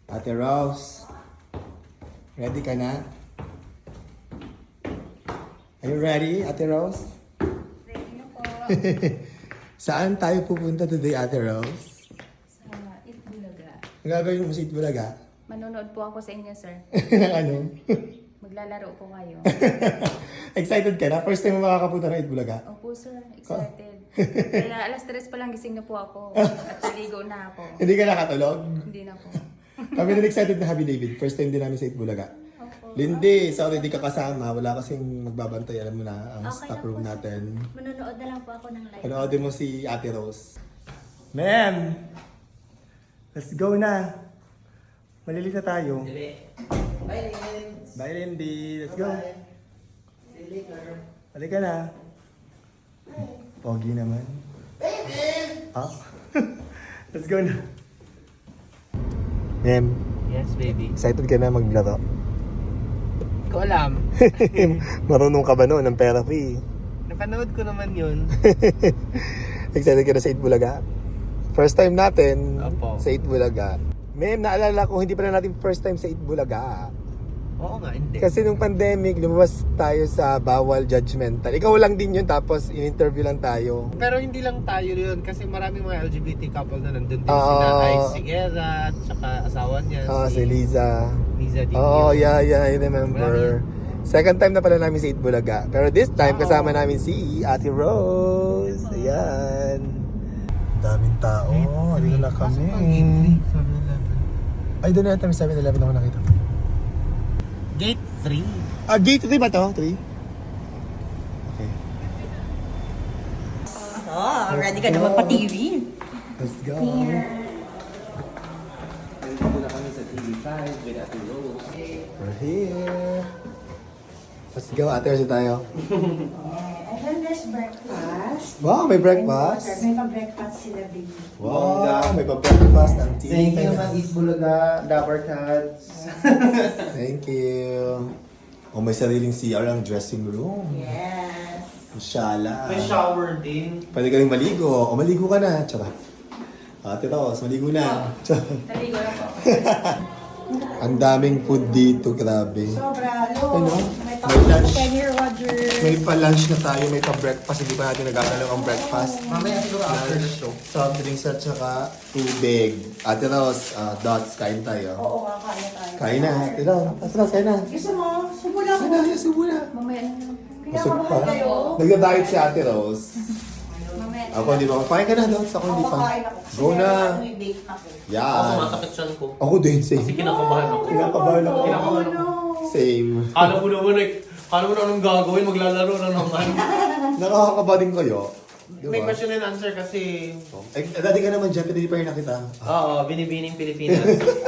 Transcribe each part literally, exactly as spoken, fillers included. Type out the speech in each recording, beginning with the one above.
Ate Rose, ready ka na? Are you ready, Ate Rose? Ready na po. Saan tayo pupunta today, Ate Rose? Sa Itbulaga. Ang gagawin mo sa Itbulaga? Manonood po ako sa inyo, sir. Ng ano? Maglalaro po kayo. Excited ka na? First time mo makakapunta ng Itbulaga? Opo, sir. Excited. Kaya alas tres pa lang gising na po ako. At naligo na ako. Hindi ka nakatulog? Hindi na po. Kami din excited na Happy David. First time din namin sa Itbulaga. Opo. Lindy, sorry di ka kasama. Wala kasing magbabantay. Alam mo na, ang Okay stock lang room po, sir. natin. Manonood na lang po ako ng live. Panoodin mo si Ate Rose. Ma'am! Let's go na! Malilit na tayo. Bye, Lins. Bye, Lindy. Let's go. See you later. Halika na. Pogi naman. Baby! Ah? Let's go na. Ma'am, Yes, baby. excited ka na maglaro? Hindi ko alam. Marunong ka ba noon ng pera fee? Napanood ko naman yun. Excited ka na sa Itbulaga? First time natin Opo. sa Itbulaga. Ma'am, naalala ko, hindi pala natin first time sa Itbulaga. Oo nga, hindi. Kasi nung pandemic, lumabas tayo sa bawal judgmental. Ikaw lang din yun, tapos in-interview lang tayo. Pero hindi lang tayo yun kasi maraming mga L G B T couple na nandun din. Oo. Sina Ice Siguera, tsaka asawa niya, Ah, si Liza. Liza Di. Oo, oh, yeah, yeah, I remember. Second time na pala namin sa Itbulaga. Pero this time, Oo. kasama namin si Ate Rose. Ayan. Daming tao. Ano na kami? Ay, doon na natin sa seven eleven ako nakita. Gate three. Ah, gate three ba to? three? Okay. Oh, ready ka na magpa-T V? Let's go. Nandito na kami sa T V five with Ate Rose. We're here. Let's go. Ate, Rose tayo. And then there's breakfast. Wow, may breakfast. May pa-breakfast sila, baby. Wow, may pa-breakfast ng tea. Thank you, Ma'am East Bulaga, Dapper Cats. Thank you. Oh, may sariling C R ang dressing room. Yes. Inshallah. May shower din. Pwede ka rin maligo. O, maligo ka na. Tsaka. Ate Rose, maligo na. Tsaka. Naligo na po. Ang daming food dito, grabe. Sobra, lo. Ano? May May lunch. Kenny Rogers. May pa-lunch na tayo, may pa-breakfast. Hindi pa natin nagkakalaw ang breakfast. Mamaya siguro after the show. Soft drinks at saka tubig. Ate Rose, ah, Dots, kain tayo. Oo, nga, kaya tayo. Kain na, Ate Rose. Ate Rose, kain na. Gusto mo? Subo lang. Kain na, yes, subo na. Mamaya na lang. Kaya Busog pa. kamahal kayo. Nagda-diet si Ate Rose. Mamaya na Ako hindi pa. Kain ka na, Dots. Ako hindi Ako pa. kakain ako. Go na. Ano yung date na ko? Yan. Sumasakit siyan ko. Ako din, same. Kasi kinakabahan ako. Kinakabahan ako. Kinakabahan ako. Same. Kala mo naman eh. Kala mo na anong gagawin, maglalaro na naman. Nakakakaba din kayo. Diba? May question and answer kasi... Eh, dati ka naman dyan, pero hindi pa rin nakita. Oo, binibining Pilipinas.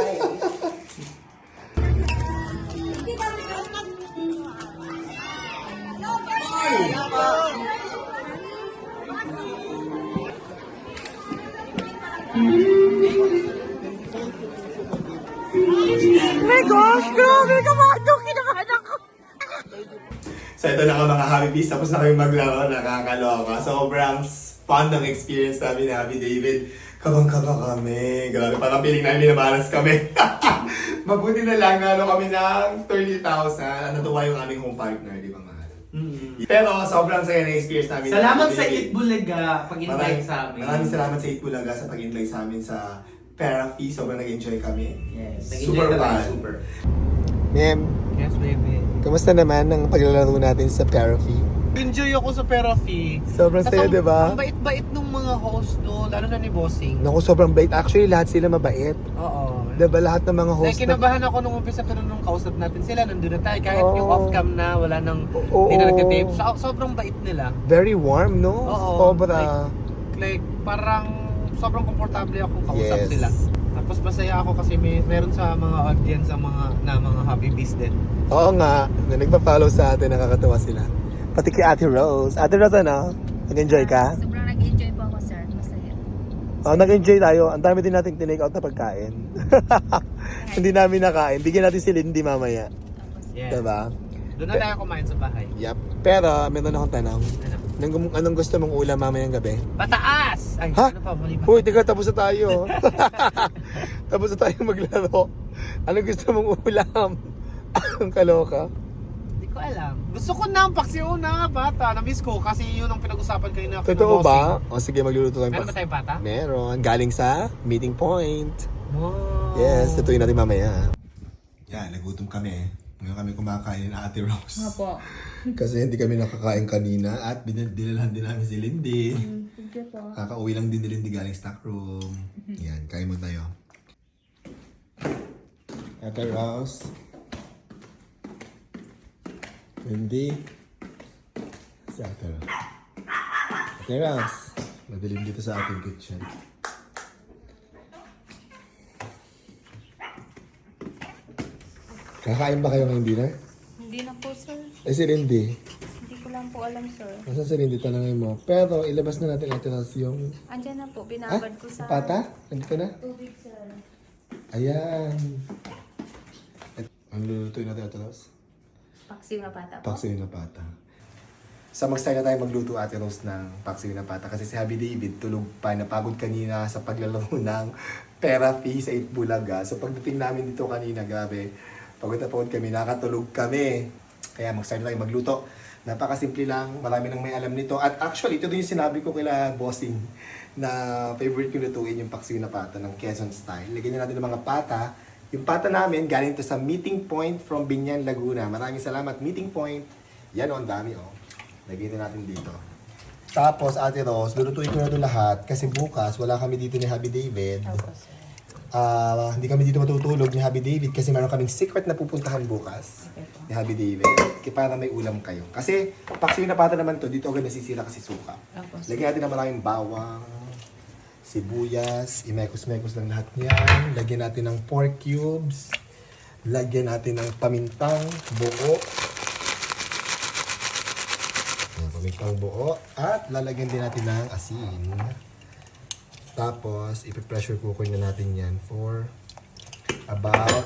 My gosh, grabe ka mga kinakahan ako. So ito na ka mga Happy Bees, tapos na kami maglaro, nakakaloka. Sobrang fun ng experience namin ni Happy David. Kabang-kaba kami. Grabe, parang piling namin minamalas kami. Mabuti na lang, nalo kami ng thirty thousand. Natuwa yung aming home partner, di ba mahal? Mm-hmm. Pero sobrang saya na experience namin. ni Salamat Happy sa David. Itbulaga pag-invite Maraming- sa amin. Maraming salamat sa Itbulaga sa pag-invite sa amin sa Therapy. Sobrang nag-enjoy kami. Yes. Super Nag-enjoy fun. talaga, super. Ma'am, Yes, baby. kamusta naman ang paglalaro natin sa Therapy? Enjoy ako sa Perafi. Sobrang saya, ang- di ba? Ang bait-bait nung mga host doon, lalo na ni Bossing. Naku, sobrang bait. Actually, lahat sila mabait. Oo. Diba lahat ng mga Like, host na... kinabahan ako nung umpisa pero nung kausap natin sila, nandun na tayo. Kahit Oo. yung off-cam na, wala nang, Oo. hindi na nagtitape. So, sobrang bait nila. Very warm, no? Oo. Sobra. Like, parang sobrang komportable akong kausap Yes. sila. Tapos masaya ako kasi may meron sa mga audience ang mga na mga Happy Bees din. Oo nga, na nagpa-follow sa atin, nakakatawa sila. Pati kay Ate Rose. Ate Rose, ano? Nag-enjoy ka? Sobrang nag-enjoy po ako, sir. Masaya. Oo, nag-enjoy tayo. Ang dami din nating tinake out na pagkain. Hindi namin nakain. Bigyan natin si Lindy mamaya. Tapos, Yes. Diba? Doon na tayo kumain sa bahay. Yep. Pero, meron akong tanong. Ano? Anong, anong gusto mong ulam mamayang gabi? Pataas! Ay, Ha? ano pa? Mali pa. Uy, tiga, tapos na tayo. Tapos na tayo maglaro. Anong gusto mong ulam? Ang kaloka. Hindi ko alam. Gusto ko na ang paksiw na bata. Na-miss ko kasi yun ang pinag-usapan kayo na. Totoo ba? O sige, magluluto tayo. Meron ba tayong bata? Meron. Galing sa meeting point. Wow. Yes, tutuin natin mamaya. Yan, nagutom kami. Ngayon kami kumakain ng Ate Rose. Opo. Kasi hindi kami nakakain kanina at binil- dinalhan din namin si Lindy. Thank you po. Kakauwi lang din ni Lindy galing stock room. Yan, kain mo tayo. Ate Rose. Lindy. Si Ate Rose. Ate Rose. Madilim dito sa ating kitchen. Kakain ba kayo ngayong dinner? Hindi na po, sir. Eh si Lindy. Hindi ko lang po alam, sir. Nasaan si Lindy? Tanangin mo. Pero ilabas na natin Ate Rose yung... Andyan na po. Ah? Binabad ko sa Pata? Nandito na? tubig, sir. Ayan. At, ang lulutuin natin Ate Rose? Paksiw na pata po. Paksiw na pata. So mag-start na tayo magluto Ate Rose ng paksiw na pata kasi si Happy David tulog pa, napagod kanina sa paglalaro ng Pera Fee sa Itbulaga. So pagdating namin dito kanina, grabe, pagod na pagod kami, nakatulog kami. Kaya mag-start na tayo magluto. Napakasimple lang, marami nang may alam nito. At actually, ito din yung sinabi ko kila Bossing na favorite ko lutuin yung paksiw na pata ng Quezon style. Lagyan na natin ng mga pata. Yung pata namin, galing to sa Meeting Point from Binyan, Laguna. Maraming salamat, Meeting Point. Yan o, ang dami o. Lagyan na natin dito. Tapos, Ate Rose, lulutuin ko na ito lahat kasi bukas wala kami dito ni Happy David. Opo, sir. Ah, hindi kami dito matutulog ni Happy David kasi meron kaming secret na pupuntahan bukas Okay po. ni Happy David. Kaya para may ulam kayo. Kasi, paksiw na pata naman to, dito agad nasisira kasi suka. Opo, sir. Lagyan natin ng maraming bawang, sibuyas, imekos-mekos lang lahat yan. Lagyan natin ng pork cubes. Lagyan natin ng pamintang buo. Ayan, pamintang buo. At lalagyan din natin ng asin. Tapos, ipipressure cooker na natin yan for about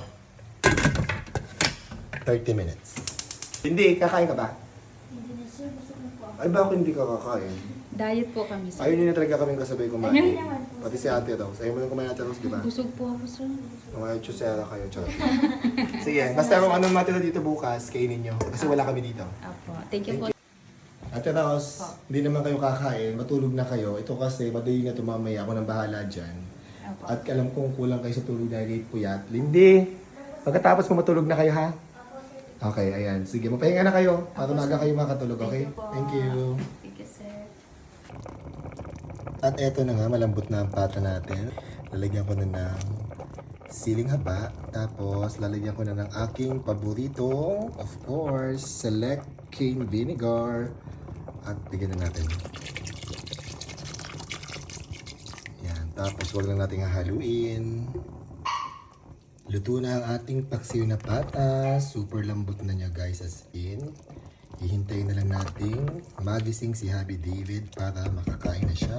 thirty minutes. Hindi, kakain ka ba? Hindi na sir, gusto ko po. Ay, bakit hindi ka kakain? Diet po kami, sir. Ayun na talaga kaming kasabay kumain. Ayun naman po. Pati si Ate Rose. Ayun mo yung kumain Ate Rose, di ba? Busog po ako, sir. Mga chusera kayo, charot. Sige, basta kung anong matira dito bukas, kainin nyo. Kasi wala kami dito. Opo. Thank you po. Ate Rose, hindi naman kayo kakain, matulog na kayo. Ito kasi, madali na tumamaya, ako nang bahala dyan. Opo. At alam kong kulang kayo sa tulog dahil late puyat. Lindy, pagkatapos mo matulog na kayo ha? Okay, ayan. Sige, mapahinga na kayo para maaga kayo makatulog, okay? Thank you. Thank you, sir. At eto na nga, malambot na ang pata natin. Lalagyan ko na ng siling haba. Tapos, lalagyan ko na ng aking paborito, of course, select cane vinegar. At bigyan na natin. Yan. Tapos, huwag lang natin hahaluin. Luto na ang ating paksiw na pata. Super lambot na niya, guys, as in. Hihintayin na lang natin magising si Happy David para makakain na siya.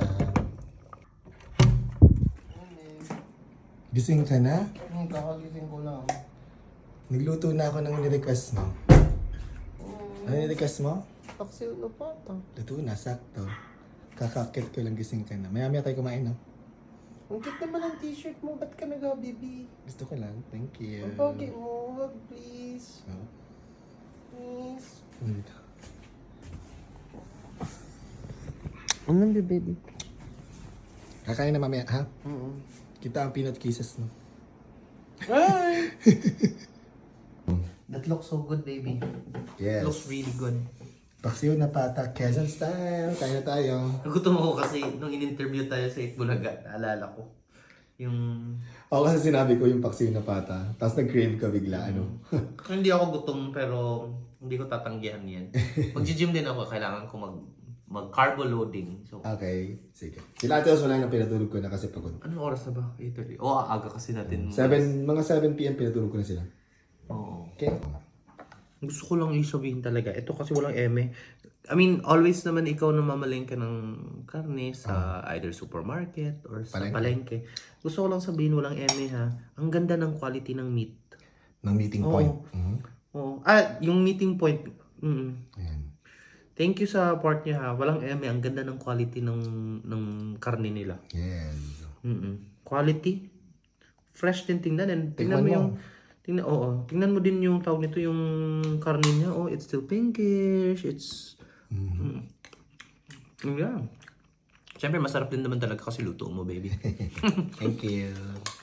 Gising ka na? Hmm, kakagising ko lang. Nagluto na ako ng nirequest mo. Ano nirequest mo? Paksiw na pata. Luto na, sakto. Kakakit ko lang gising ka na. Maya-maya tayo kumain, no? Ang cute naman ang t-shirt mo. Ba't ka nag-baby? Gusto ko lang. Thank you. Ang pogi mo. Wag, please. Oh. Please. Mm. Anong baby? Kakain na mamaya, ha? Oo. Kita ang peanut kisses, no? Hi! That looks so good, baby. Yes. Looks really good. Paksiw na pata, Quezon style. Kain na tayo. Nagutom ako kasi nung in-interview tayo sa Itbulaga, naalala ko. Yung... Ako kasi sinabi ko yung paksiw na pata. Tapos nag-crave ka bigla, ano? Hindi ako gutom pero hindi ko tatanggihan yan. Mag-gym din ako, kailangan ko mag mag-carbo loading. So, Okay, sige. Sila ate wala nang pinatulog ko na kasi pagod. anong oras na ba? eight thirty. Oo, aga kasi natin. Seven, mga seven p m pinatulog ko na sila. Oo. Okay? Gusto ko lang isabihin talaga. Ito kasi walang eme. I mean, always naman ikaw na mamalengke ng karne sa either supermarket or sa Palengke. palengke. Gusto ko lang sabihin walang eme ha. Ang ganda ng quality ng meat. Ng meeting Oo. point. Mhm. Oo. Ah, yung meeting point. Mm. Ayan. Thank you sa part niya ha. Walang eme. Ang ganda ng quality ng ng karne nila. Yes. Mm. Quality. Fresh din tingnan. And tingnan Tingnan mo mo. yung tingnan oo. Tingnan mo din yung tawag nito yung karne niya. Oh, it's still pinkish. It's mm. Mm. Yeah. Siyempre masarap din naman talaga kasi luto mo, baby. Thank you.